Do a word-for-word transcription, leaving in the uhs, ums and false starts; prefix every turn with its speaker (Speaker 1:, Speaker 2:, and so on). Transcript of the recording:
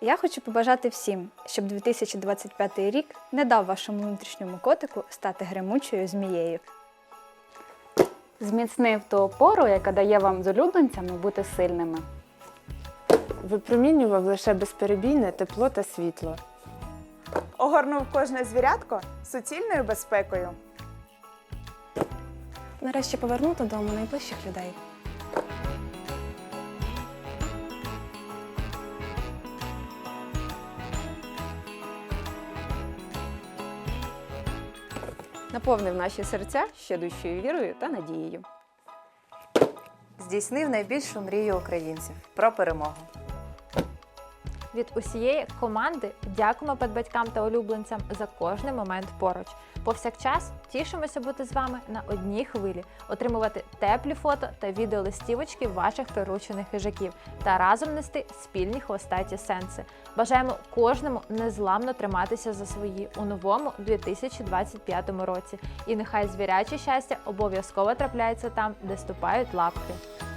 Speaker 1: Я хочу побажати всім, щоб дві тисячі двадцять п'ятий рік не дав вашому внутрішньому котику стати гремучою змією.
Speaker 2: Зміцнив ту опору, яка дає вам з улюбленцями бути сильними.
Speaker 3: Випромінював лише безперебійне тепло та світло.
Speaker 4: Огорнув кожне звірятко суцільною безпекою.
Speaker 5: Нарешті повернути додому найближчих людей.
Speaker 6: Наповнив наші серця щадущою вірою та надією.
Speaker 7: Здійснив найбільшу мрію українців – про перемогу.
Speaker 8: Від усієї команди дякуємо педбатькам та улюбленцям за кожний момент поруч. Повсякчас тішимося бути з вами на одній хвилі, отримувати теплі фото та відеолистівочки ваших приручених хижаків та разом нести спільні хвостаті сенси. Бажаємо кожному незламно триматися за свої у новому дві тисячі двадцять п'ятому році. І нехай звіряче щастя обов'язково трапляється там, де ступають лапки.